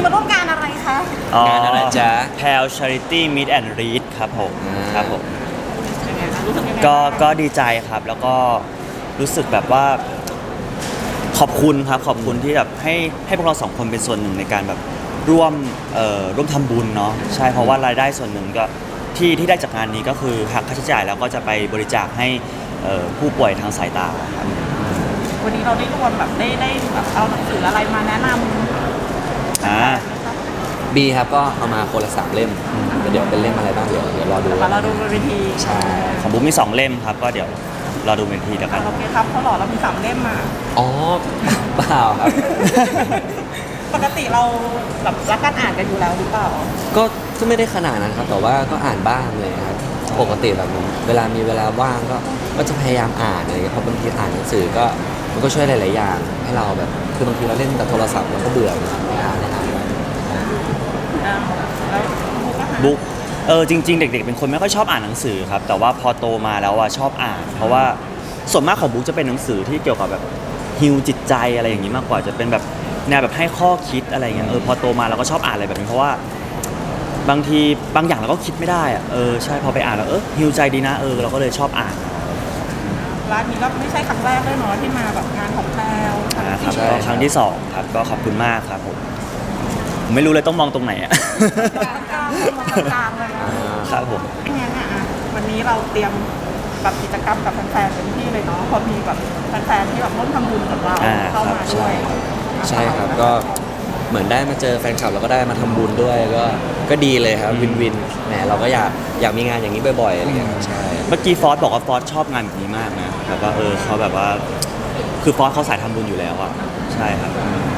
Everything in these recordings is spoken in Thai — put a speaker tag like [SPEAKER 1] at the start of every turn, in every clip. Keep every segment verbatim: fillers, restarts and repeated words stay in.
[SPEAKER 1] มาร่วมงานอะไรคะ
[SPEAKER 2] งานอะไรจ๊ะ
[SPEAKER 3] แพล Charity Meet and Read ครับผม
[SPEAKER 2] อ่า
[SPEAKER 3] ครับผม
[SPEAKER 1] ยังไงคะรู้สึกยังไง
[SPEAKER 3] ก็
[SPEAKER 1] บ้าง
[SPEAKER 3] ก็ดีใจครับแล้วก็รู้สึกแบบว่าขอบคุณครับขอบคุณที่แบบให้ให้พวกเราสองคนเป็นส่วนหนึ่งในการแบบร่วมเอ่อร่วมทำบุญเนาะใช่เพราะว่ารายได้ส่วนหนึ่งก็ที่ที่ได้จากงานนี้ก็คือหักค่าใช้จ่ายแล้วก็จะไปบริจาคให้เอ่อผู้ป่วยทางสายตาครับ
[SPEAKER 1] วันนี้เราได้รวมแบบได้ได้แบบเอาหนังสืออะไรมาแนะนำ
[SPEAKER 3] อ่า
[SPEAKER 2] บีครับก็เอามาคนละสามเล่มเดี๋ยวเป็นเล่มอะไรบ้างเดี๋ยวเดี๋ยวรอดู
[SPEAKER 1] มาเราดูบนเวที
[SPEAKER 2] ใช่
[SPEAKER 3] ของบุ๊มมีสองเล่มครับก็เดี๋ยวรอดูเป็นทีเดียวกัน
[SPEAKER 1] โอเคครับเขาหล่อเรามีสามเล่มมา
[SPEAKER 2] อ๋อเปล่าครับ
[SPEAKER 1] ปกติเราแบบรักการอ่านกันอยู่แล้วหรือเปล่า
[SPEAKER 2] ก็ก็ไม่ได้ขนาดนั้นครับแต่ว่าก็อ่านบ้างเลยครับปกติแบบเวลามีเวลาว่างก็ก็จะพยายามอ่านอะไรอย่างเงี้ยเพราะบางทีอ่านหนังสือก็มันก็ช่วยหลายๆอย่างให้เราแบบคือบางทีเราเล่นแต่โทรศัพท์เราก็เบื่อไม่อ่านไม่อ่าน
[SPEAKER 1] อ่าแล้วบุ๊กอะคะ
[SPEAKER 3] บุ๊กเออจริงๆเด็กๆเป็นคนไม่ค่อยชอบอ่านหนังสือครับแต่ว่าพอโตมาแล้วอะชอบอ่าน เพราะว่าส่วนมากของบุ๊กจะเป็นหนังสือที่เกี่ยวกับแบบฮิวจิตใจอะไรอย่างนี้มากกว่าจะเป็นแบบแนวแบบให้ข้อคิดอะไรอย่างเงี้ยเออพอโตมาเราก็ชอบอ่านอะไรแบบนี้เพราะว่าบางทีบางอย่างเราก็คิดไม่ได้อะเออใช่พอไปอ่านแล้วเออฮิวใจดีนะเออเราก็เลยชอบอ่าน
[SPEAKER 1] ร้านนี้ก็ไม่ใช่ครั้งแรกด้วยเนาะที่มาแบบงานของแพลว
[SPEAKER 3] อ่าครับก็ครั้งที่สองครับก็ขอบคุณมากครับผมผมไม่รู้เลยต้องมองตรงไหนอะ
[SPEAKER 1] กลางกลางมองกลางเลยนะครับ
[SPEAKER 3] ผม
[SPEAKER 1] งั้นอ่ะวันนี้เราเตรียมแบบกิจกรรมกับแฟนๆเต็มที่เลยเนาะพอมีแบบแฟนๆที่แบบร่วมทำบุญกับเรา
[SPEAKER 3] อ่า
[SPEAKER 1] เข้ามาด้วย
[SPEAKER 2] ใช่ครับก็เหมือนได้มาเจอแฟนคลับแล้วก็ได้มาทำบุญด้วยก็ก็ดีเลยครับวินวินแหมเราก็อยากอยากมีงานอย่างนี้บ่อยๆอะไรอย่างเงี้ยครับใช่
[SPEAKER 3] เมื่อกี้ฟอสบอกว่าฟอสชอบงานแบบนี้มากนะแบบว่าเออเขาแบบว่าคือฟอสเขาสายทำบุญอยู่แล้วอะใช่ครับ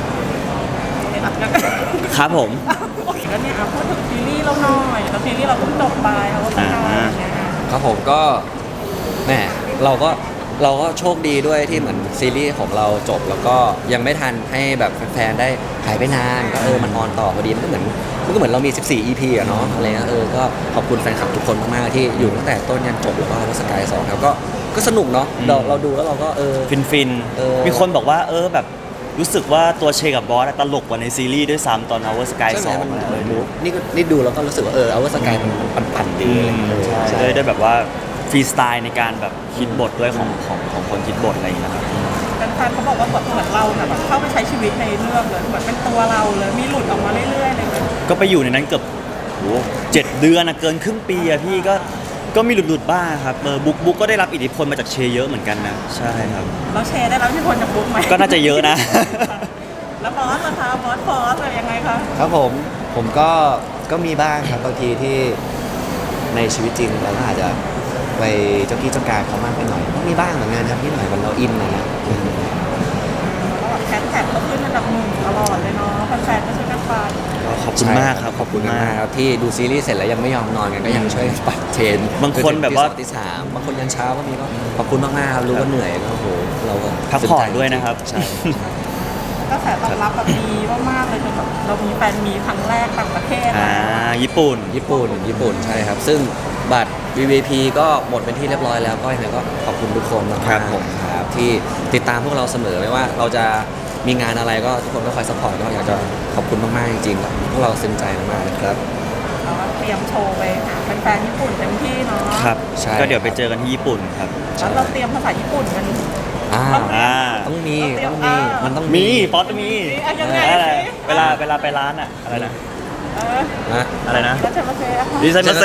[SPEAKER 3] ครับผม
[SPEAKER 1] โอเคแล้วเนี่ยอ่ะพูดถึงซีรีส์เราหน่อยแล้วซีรีส์เราเพิ่งจบไปเขาก็ต้องการอย่างเงี้ย
[SPEAKER 2] ครับผมก็แหมเราก็เราก็โชคดีด้วยที่เหมือนซีรีส์ของเราจบ แล้วก็ยังไม่ทันให้แบบแฟนๆได้หายไปนานก็เออมันออนต่อพอดีมันก็เหมือนมันก็เหมือนเรามีสิบสี่ อี พี อะเนาะอะไรเงี้ยเออก็ขอบคุณแฟนคลับทุกคนมากๆที่อยู่ตั้งแต่ต้นยันจบแล้วก็วัสกายสองแล้วก็ก็สนุกเนาะเราเราดูแล้วเราก็เออ
[SPEAKER 3] ฟินฟิน
[SPEAKER 2] เออ
[SPEAKER 3] มีคนบอกว่าเออแบบรู้สึกว่าตัวเชกับบอสอะตลกกว่าในซีรีส์ด้วยซ้ำตอน Our Sky ส
[SPEAKER 2] ใช่
[SPEAKER 3] อง
[SPEAKER 2] ไหมมัน
[SPEAKER 3] อะ
[SPEAKER 2] เห
[SPEAKER 3] เอ
[SPEAKER 2] มือ
[SPEAKER 3] อน
[SPEAKER 2] มูฟนี่ก็นี่ดูแล้วก็รู้สึกว่าเออเอาวัสกายมันปั่นๆดีอะไรเงี้ยเออ
[SPEAKER 3] ใช่ด้วยด้วยแบบว่าฟรีสไตล์ในการแบบคิดบทด้วยของของของคนคิดบทอะไรอย่างเงี้ยครับ
[SPEAKER 1] แฟนๆเขาบอกว่าบทเหมือนเราเนี่ยแบบเข้าไปใช้ชีวิตในเรื่องเลยเหมือนเป็นตัวเราเลยมีหลุดออกมาเรื่อยๆเลย
[SPEAKER 3] ก็ไปอยู่ในนั้นเกือบโหเจ็ดเดือนอะเกินครึ่งปีอะพี่ก็ก็มีหลุดๆบ้างครับเออบุ๊กบุ๊กก็ได้รับอิทธิพลมาจากเชเยอะเหมือนกันนะใช่ครับ
[SPEAKER 1] เราแชร์ได้แล้วที่คนจะบุ๊กไหม
[SPEAKER 3] ก็น่าจะเยอะนะ
[SPEAKER 1] แล้วบอสนะคะบอสฟอสอะไรยังไงคะ
[SPEAKER 2] ครับผมผมก็ก็มีบ้างครับบางทีที่ในชีวิตจริงเราก็อาจจะไปเจ้ากี้เจ้าการเขามากไปหน่อยก็มีบ้างเหมือนกันครับนิดหน่อยมันเราอินนะนะ
[SPEAKER 1] แล้วแบบแคทแท็กก็ขึ้นอันดับหนึ่งตลอดเลยเนาะแฟนๆก็ช่วยกันฟัง
[SPEAKER 3] ก็ขอบคุณมากครับ
[SPEAKER 2] ขอบคุณมากครับที่ดูซีรีส์เสร็จแล้วยังไม่ยอมนอนกันก็ยังช่วยปัดเทรน
[SPEAKER 3] บางคนแบบว่า
[SPEAKER 2] จนถึงตีสองตีสามบางคนยันเช้าก็มีก็ขอบคุณมากๆครับรู้ว่าเหนื่อยก็โอ้โหเราก็
[SPEAKER 3] พักผ่อนด้วยนะครับ
[SPEAKER 2] ใช่
[SPEAKER 1] กระแสตอบรับแบบดีมากๆเลยจนแบบเรามีแฟนมีครั้งแรกต่างประเทศ
[SPEAKER 3] อ่าญี่ปุ่น
[SPEAKER 2] ญี่ปุ่นญี่ปุ่นใช่ครับ ซึ่งบัตร วี วี พี ก็หมดเป็นที่เรียบร้อยแล้วก็ยังไงก็ขอบคุณทุกคนมากๆ
[SPEAKER 3] ครับผม
[SPEAKER 2] ครับที่ติดตามพวกเราเสมอไม่ว่าเราจะมีงานอะไรก็ทุกคนก็คอยสปอร์ตก็อยากจะขอบคุณมากๆจริงๆพวกเราซึ้งใจมากๆนะครับ
[SPEAKER 1] เราก็เตรียมโชว์ไปหาแฟนๆญี่ปุ่นเต็มที่เนาะ
[SPEAKER 3] ครับ
[SPEAKER 2] ใช่
[SPEAKER 3] ก็เดี๋ยวไปเจอกันที่ญี่ปุ่นครับ
[SPEAKER 1] แล้วเราเตรียมภาษาญี่ปุ่นกัน
[SPEAKER 2] อ่า
[SPEAKER 3] อ่า
[SPEAKER 2] ต้องมี
[SPEAKER 1] เราเตรียม
[SPEAKER 2] ต้องมี
[SPEAKER 1] อ่ามั
[SPEAKER 2] มันต้อง
[SPEAKER 3] มีฟอสมี
[SPEAKER 1] อ่ะยังไง
[SPEAKER 3] อะไร
[SPEAKER 1] สิ
[SPEAKER 3] เวลาเวลาไปร้านอะอะไรนะ
[SPEAKER 1] เออ
[SPEAKER 2] นะ
[SPEAKER 3] อะไรนะ
[SPEAKER 1] แล้วจะมาเซอะค่ะ
[SPEAKER 3] ดิไซมาเซ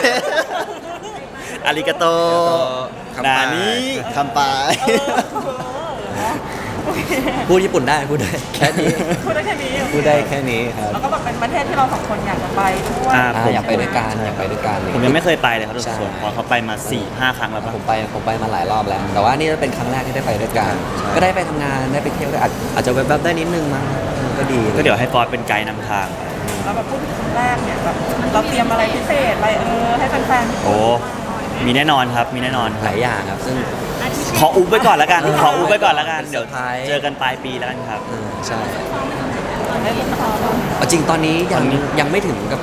[SPEAKER 3] อาริกาโต
[SPEAKER 2] คำปา
[SPEAKER 3] นานี้คำปาย
[SPEAKER 1] เออ
[SPEAKER 2] พูดญี่ปุ่นได้พูดได้แค่นี้
[SPEAKER 1] พูดได้แค่นี้
[SPEAKER 2] พูดได้แค่นี้ครับ
[SPEAKER 1] แล้วก็แบบเป็นประเทศที่เราสองคนอยากจะไปด้วย
[SPEAKER 3] อ่า
[SPEAKER 2] อ่าอยากไปด้วยกันอยากไปด้วยกัน
[SPEAKER 3] ผมยังไม่เคยไปเลยครับทุก
[SPEAKER 2] ใช่
[SPEAKER 3] คนเพอเขาไปมา4ี่ห้าครั้งแล้วปะ
[SPEAKER 2] ผมไปผมไปมาหลายรอบแล้ว แต่ว่านี่เป็นครั้งแรกที่ได้ไปด้วยกัน
[SPEAKER 3] ใช่
[SPEAKER 2] ก็ได้ไปทำงานได้ไปเที่ยวได้อาจอาจจะแวบๆได้นิดนึงมั้งเออก็ดี
[SPEAKER 3] ก็เดี๋ยวให้ฟอสเป็นไกด์นำทาง
[SPEAKER 1] แล้วแบบพูดถึงครั้งแรกเนี่ยแบบเราเตรียมอะไรพิเศษอะไรเออให้แฟนๆ
[SPEAKER 3] โอ้มีแน่นอนครับมีแน่นอนค
[SPEAKER 2] ห
[SPEAKER 3] รับ
[SPEAKER 2] ลายอย่างครับ ซึ่ง
[SPEAKER 3] ขออุบไว้ก่อนแล้วกัน
[SPEAKER 2] เออ
[SPEAKER 3] ขออุบไว้ก่อนแล้วกัน
[SPEAKER 2] เป็นเซ
[SPEAKER 3] เดี๋
[SPEAKER 2] อ
[SPEAKER 3] ยว
[SPEAKER 2] ร์ไพรส์
[SPEAKER 3] เจอกันปลายปีแล้วกันครับ
[SPEAKER 2] เออใช่
[SPEAKER 1] ได้ติดต่อบ้าง
[SPEAKER 2] เอาจริงตอนนี้ยัง
[SPEAKER 3] ตอนนี้
[SPEAKER 2] ยังไม่ถึงกับ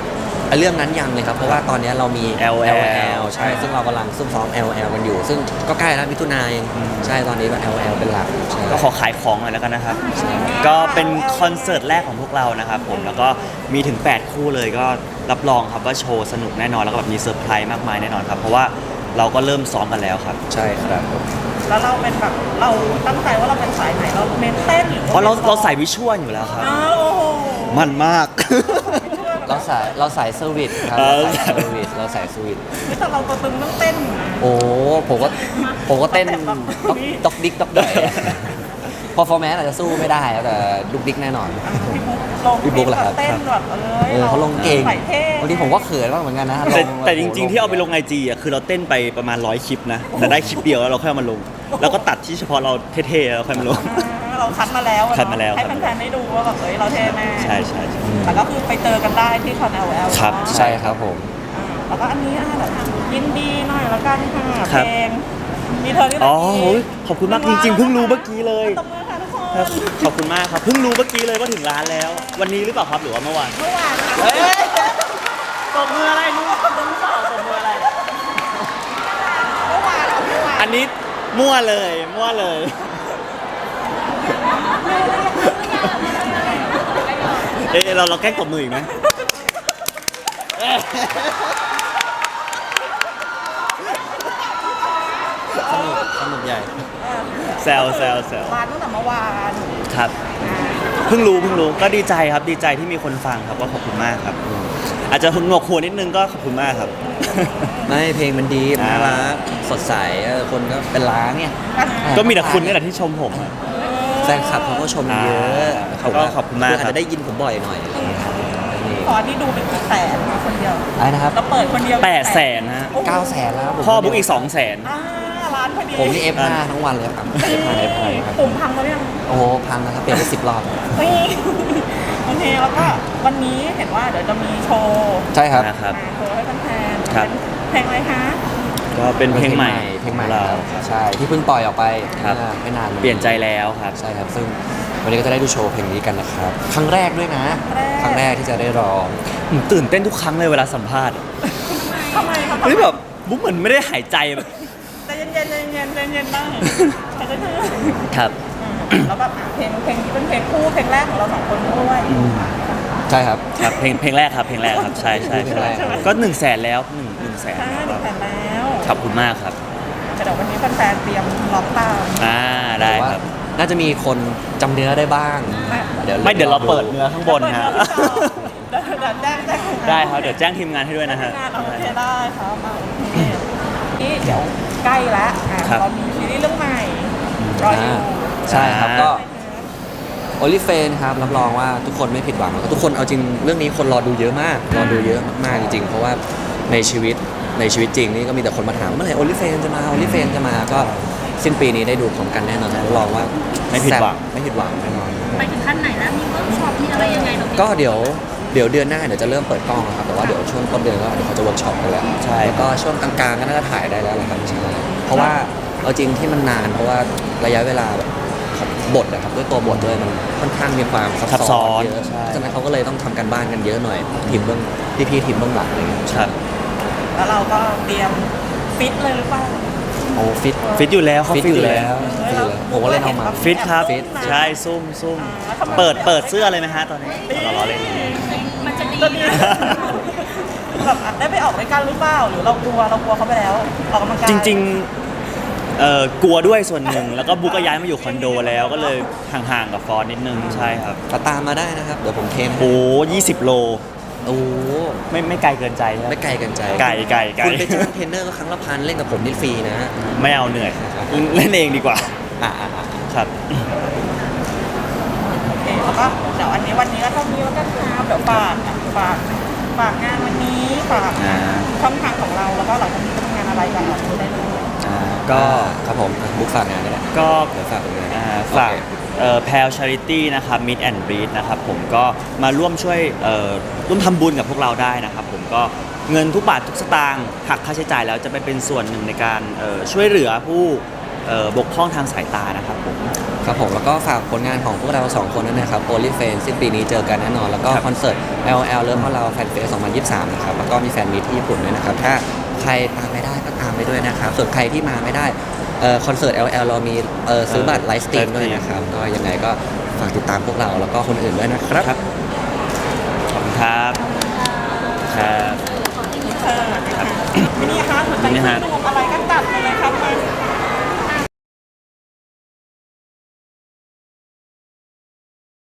[SPEAKER 2] ไอ้เรื่องนั้นยังเลยครับ เพราะว่าตอนนี้เรามี
[SPEAKER 3] แอล แอล
[SPEAKER 2] ใช่ซึ่งเรากำลังซุ่มซ้อม แอล แอล กันอยู่ ซึ่งก็ใกล้แล้วมิถุนายนใช่ตอนนี้ก็ แอล แอล เป็นหลักใช่
[SPEAKER 3] ก็ขอขายของหน่อยแล้วกันนะครับ ก็เป็นคอนเสิร์ตแรกของพวกเรานะครับผมแล้วก็มีถึง แปด คู่เลยก็รับรองครับว่าโชว์สนุกแน่นอนแล้วก็แบบมีเซอร์ไพรส์มากมายแน่นอนครับ เพราะว่าเราก็เริ่มซ้อมกันแล้วครับ
[SPEAKER 2] ใช่ครับผม
[SPEAKER 1] แล้วเราเป็นแบบเราตั้งใจว่าเราเป็นสายไหนเราเน้นเต้นหรือ
[SPEAKER 3] เพราะเราเราใส่วิชวลอยู่แล้วครับ
[SPEAKER 1] อ้าวโอ้โห
[SPEAKER 3] มันมาก
[SPEAKER 2] เราสายเราสายเซอร์วิสครับ
[SPEAKER 3] เออ
[SPEAKER 2] เราสายเซอร์วิสเราสายเซอร์วิส
[SPEAKER 1] แต่เราตัวตึงต้องเต้นนะ
[SPEAKER 2] โอ้ผมก็ผมก็เต้น
[SPEAKER 1] แบบ
[SPEAKER 2] ต๊อกต๊อกดิ๊กต๊อกดอยพอฟอร์แมนอาจจะสู้ไม่ได้แต่ดุกดิ๊กแน่นอน
[SPEAKER 1] พี่บุ๊กลง
[SPEAKER 2] พี่บุ๊กเหรอครับ
[SPEAKER 1] เต้นแบบเอ
[SPEAKER 2] เออเขาลงเก่ง
[SPEAKER 1] ใส่เท่
[SPEAKER 2] บางทีผมก็เขินบ้างเหมือนกันนะ
[SPEAKER 3] แต่
[SPEAKER 2] ลง
[SPEAKER 3] แต่จริงๆที่เอาไปลงไอจีอ่ะคือเราเต้นไปประมาณร้อยคลิปนะแต่ได้คลิปเดียวแล้วเราค่อยเอามาลง แล้วก็ตัดที่เฉพาะเราเท่ๆแล้วค่อยมาลง
[SPEAKER 1] อ่าเราคัดมาแล้วอะเนอะ
[SPEAKER 3] คัดมาแล้ว
[SPEAKER 1] ให้
[SPEAKER 3] ครับ
[SPEAKER 1] แฟนๆได้ดูว่าแบบเฮ้ยเราเท่แน่
[SPEAKER 3] ใช่ใช่ใช่
[SPEAKER 1] แต่ก็คือไปเจอกันได้ที่คอน แอล แอล
[SPEAKER 3] ครับ
[SPEAKER 2] ใช่ครับผม
[SPEAKER 1] แล้วก็อันนี้อ่ะเดี๋ยวยินดีหน่อยแล้วกันค่ะ
[SPEAKER 3] ครั
[SPEAKER 1] เพ
[SPEAKER 3] บ
[SPEAKER 1] ลงมีเธอที่
[SPEAKER 3] อ๋อ
[SPEAKER 1] รัก
[SPEAKER 3] โอ้ยขอบคุณมากจริงๆเพิ่งรู้เมื่อกี้เลย
[SPEAKER 1] ตบมือค่ะทุกคน
[SPEAKER 3] ครับขอบคุณมากครับเพิ่งรู้เมื่อกี้เลยว่าถึงร้านแล้ว วันนี้หรือเปล่าครับหรือว่าเมื่อวาน
[SPEAKER 1] เมื่อวานค่ะ
[SPEAKER 3] เฮ้ยตบมืออะไรรู้รู้เปล่าตบมืออะไร
[SPEAKER 1] เมื่อวานเมื่อวาน
[SPEAKER 3] อันนี้มั่วเลยมั่วเลยเอ๊ะเราเราแกล้งตบมืออีกไหม
[SPEAKER 2] สนุกสนุกใหญ่
[SPEAKER 3] แซวแซวแซว
[SPEAKER 1] ร้านตั้งแต่เมื่อวาน
[SPEAKER 3] ครับเพิ่งรู้เพิ่งรู้ก็ดีใจครับดีใจที่มีคนฟังครับก็ขอบคุณมากครับ อาจจะหนวกหัวนิดนึงก็ขอบคุณมากครับ
[SPEAKER 2] ไม่เพลงมันดี
[SPEAKER 3] อ่า
[SPEAKER 2] น่ารักสดใสเออคนก็เป็นล้านเนี่ย
[SPEAKER 3] ก็มีแต่คุณนี่แหละที่ชมผมอะ
[SPEAKER 2] แฟนคลับเขาก็ชมเยอะ
[SPEAKER 3] เขาก็ขอบคุณมาก
[SPEAKER 2] อาจ
[SPEAKER 3] ครับ
[SPEAKER 2] จะได้ยินผมบ่อยหน่อยอะไรอย่างเงี้ยนี่
[SPEAKER 1] ตอนที่ดูเป็นแสนคนเดียว
[SPEAKER 2] อะไรนะครับ
[SPEAKER 1] เราเปิดคนเดียว
[SPEAKER 3] แปดแสนฮะ
[SPEAKER 1] โอ้โห
[SPEAKER 2] เก้าแสนแล้วผม
[SPEAKER 3] พ่อบุ๊กอีกสองแสน
[SPEAKER 1] อ่าร้านพอดี
[SPEAKER 2] ผมนี่ เอฟ ห้า ทั้งวันเลยครับ เอฟ ห้า เอฟ ห้า ครับ
[SPEAKER 1] ปุ่มพังแล้วยัง
[SPEAKER 2] โอ้โหพังนะครับเปลี่ยนไปสิบรอบ
[SPEAKER 1] เฮ้ยโอเคแล้วก็วันนี้เห็นว่าเดี๋ยวจะมีโชว์
[SPEAKER 2] ใช่ครับ
[SPEAKER 3] นะครับ
[SPEAKER 1] โชว์ให้แฟนๆ
[SPEAKER 3] ครับ
[SPEAKER 1] เป็นเพลงอะไรคะ
[SPEAKER 3] ก็เป็นเพลงใหม่
[SPEAKER 2] เพลงใหม่
[SPEAKER 3] ของเรา
[SPEAKER 2] ครับใช่ที่เพิ่งปล่อยออกไป
[SPEAKER 3] ครับ
[SPEAKER 2] เมื่อไม่นานมา
[SPEAKER 3] เปลี่ยนใจแล้วครับ
[SPEAKER 2] ใช่ครับ ซึ่งวันนี้ก็จะได้ดูโชว์เพลงนี้กันนะครับ ครั้งแรกด้วยนะ ครั้งแรกที่จะได้ร้อง
[SPEAKER 3] ผมตื่นเต้นทุกครั้งเลยเวลาสัมภาษณ์
[SPEAKER 1] ทำไมครับ
[SPEAKER 3] เฮ้ยแบบบุ๊กเหมือนไม่ได้หายใจแบบ
[SPEAKER 1] ใจเย็นๆใจเย็นๆใจเย็นๆบ้างใจเย็น
[SPEAKER 3] ครับ
[SPEAKER 1] ๆแล้วแบบอ่ะเพลงเพลงนี้เป็นเพลงคู่เพลงแรกของเราสองคนด้วย
[SPEAKER 2] ใช่ครับ
[SPEAKER 3] ครับเพลงเพลงแรกครับเพลงแรกครับใช่ใช่
[SPEAKER 2] เพลงแรก
[SPEAKER 3] ก็หนึ่งแสนแล้วหนึ่งหนึ่งแสน
[SPEAKER 1] ใช่หนึ่งแสนแล้ว
[SPEAKER 3] ขอบคุณมากครับ
[SPEAKER 1] แต่เดี๋ยววันนี้แฟนๆเตรียมร้องตาม
[SPEAKER 3] อ่าได้ครับ
[SPEAKER 2] น่าจะมีคนจำเนื้อได้บ้าง
[SPEAKER 3] ไม่เดี๋ยวเราเปิดเนื้อข้างบนฮะ
[SPEAKER 1] เดี๋ยวเดี๋ยวแจ้งแจ้งทีมงาน
[SPEAKER 3] ได้ครับเดี๋ยวแจ้งทีมงานให้ด้วยนะฮะ
[SPEAKER 1] ทีมงานโอเคได้ครับมาโอเคนี่เดี๋ยวใกล้แล้วอ่ะ
[SPEAKER 3] ครับ
[SPEAKER 1] เรามีซีรีส์เรื่องใหม่รออยู่
[SPEAKER 2] ใช่ครับ
[SPEAKER 3] อ่า
[SPEAKER 2] ก็โอลิเฟนครับรับรองว่าทุกคนไม่ผิดหวังแล้วก็ทุกคนเอาจริงเรื่องนี้คนรอดูเยอะมากรอดูเยอะมากๆจริงๆ เพราะว่าในชีวิตในชีวิตจริงนี่ก็มีแต่คนมาถามเมื่อไหร่โอลิเฟนจะมาโอลิเฟนจะมาก็สิ้นปีนี้ได้ดูพร้อมกันแน่นอนรับรองว่า
[SPEAKER 3] ไม่ผิดหวัง
[SPEAKER 2] แซ่บไม่ผิดหวังแน่นอน
[SPEAKER 4] ไปถึงขั้นไหนแล้ว มีเวิร์กช็อปมีอะไรยังไงตรงนี้
[SPEAKER 2] ก็เดี๋ยวเดี๋ยวเดือนหน้าเดี๋ยวจะเริ่มเปิดกล้องนะครับแต่ว่าเดี๋ยวช่วงต้นเดือนก็เดี๋ยวเขาจะเวิร์กช็อปกันแล้ว
[SPEAKER 3] ใช่
[SPEAKER 2] แล้วก็ช่วงกลางๆก็น่าจะถ่ายได้แล้วแหละครับใช่เพราะว่าเอาจริงที่มันนานเพราะว่าระยะเวลาแบบบทนะครับด้วยตัวบทด้วยมันค่อนข้างมีความซับ
[SPEAKER 3] ซับซ้
[SPEAKER 2] ซ้
[SPEAKER 3] อ
[SPEAKER 2] อน นเยอะ
[SPEAKER 3] ใช่
[SPEAKER 2] เพราะฉะนั้นเขาก็เลยต้องทำกันบ้านกันเยอะหน่อยทีมเบื้องพี่ๆทีมเบื้องหลังอะไรเงี้ย
[SPEAKER 3] ครับ
[SPEAKER 1] แล้วเราก็เตรียมฟิตเลยหรือเปล่า
[SPEAKER 2] โอ้ฟิต
[SPEAKER 3] ฟิตอยู่แล้วเขา
[SPEAKER 2] ฟิตอยู่แล้วฟิตอยู่แล้วผมก็เล่นเอามา
[SPEAKER 3] ฟิตครับ
[SPEAKER 2] ฟิต
[SPEAKER 3] ใช่ซุ่มซุ่ม
[SPEAKER 1] อ่าทำไม
[SPEAKER 3] เปิดเปิดเสื้อเลยไหมฮะตอนนี้เราล้อเล่น
[SPEAKER 4] มันจะดี
[SPEAKER 1] ก็ดีแบบอ่ะได้ไปออกด้วยกันหรือเปล่าหรือเรากลัวเรากลัวเขาไปแล้วออกกำลังกาย
[SPEAKER 3] จริงๆเอ่อกลัวด้วยส่วนหนึ่งแล้วก็บุ๊กก็ย้ายมาอยู่คอนโดแล้วก็เลยห่างๆกับฟอนนิดนึงใช่ครับ
[SPEAKER 2] ก็ตามมาได้นะครับเดี๋ยวผมเทมให้
[SPEAKER 3] โอ้ยี่สิบโล
[SPEAKER 2] โอ้
[SPEAKER 3] ไม่ไม่ไกลเกินใจใช่ไหม
[SPEAKER 2] ไม่ไกลกันใจ
[SPEAKER 3] ไกลไกลไกล
[SPEAKER 2] คุณไปจ้างเทรนเนอร์ก็ครั้งละพันเล่นกับผมนี่ฟรีนะ
[SPEAKER 3] ไม่เอาเหนื่อย เล่นเองดีกว่า
[SPEAKER 2] อ่าอ่าอ่า
[SPEAKER 3] ครับ
[SPEAKER 1] โอเคแล้วก็เดี๋ยวอันนี้วันนี้ก็เท่านี้แล้วกันครับเดี๋ยวฝากอ่ะฝากฝากงานวันนี้ฝาก
[SPEAKER 3] อ่า
[SPEAKER 1] ช่องทางของเราแล้วก็เราจะมีทำงานอะไรกันเราจะได้รู้
[SPEAKER 3] อ่า
[SPEAKER 2] ก็
[SPEAKER 3] ก็
[SPEAKER 2] ครับผมอ่ะบุ๊กฝากงานนี่แหละ
[SPEAKER 3] ก็
[SPEAKER 2] เดี๋ยวฝากตรงนี้
[SPEAKER 3] อ่าฝากแพลชาริตี้นะครับ Meet and Breed นะครับผมก็มาร่วมช่วยเอ่อร่วมทำบุญกับพวกเราได้นะครับผมก็เงินทุกบาททุกสตางค์หักค่าใช้จ่ายแล้วจะไปเป็นส่วนหนึ่งในการเอ่อช่วยเหลือผู้เอ่อบกพร่องทางสายตานะครับผม
[SPEAKER 2] ครับผมแล้วก็ฝากผลงานของพวกเราสองคนด้วยนะครับโอลิเฟนสิ้นปีนี้เจอกันแน่นอน แล้วก็
[SPEAKER 3] ครับ
[SPEAKER 2] คอนเสิร์ต แอล แอล เริ่มของเราแฟนเฟสสองพันยี่สิบสามนะครับแล้วก็มีแฟนมีตที่ญี่ปุ่นด้วยนะครับถ้าใครตามไม่ได้ก็ตามไปด้วยนะครับส่วนใครที่มาไม่ได้เอ่อคอนเสิร์ต แอล แอล เรามีเอ่อซื้อบัตรไลฟ์สตรีมด้วยนะครับก็ยังไงก็ฝากติดตามพวกเราแล้วก็คนอื่นด้วยนะครับ
[SPEAKER 3] ครับขอบคุณครับครับ
[SPEAKER 1] เออนะคะทีนี้คะหัวใจ
[SPEAKER 3] นี่
[SPEAKER 1] ที่
[SPEAKER 3] ฮะ
[SPEAKER 1] ดูอะไรก็จัดไปเลย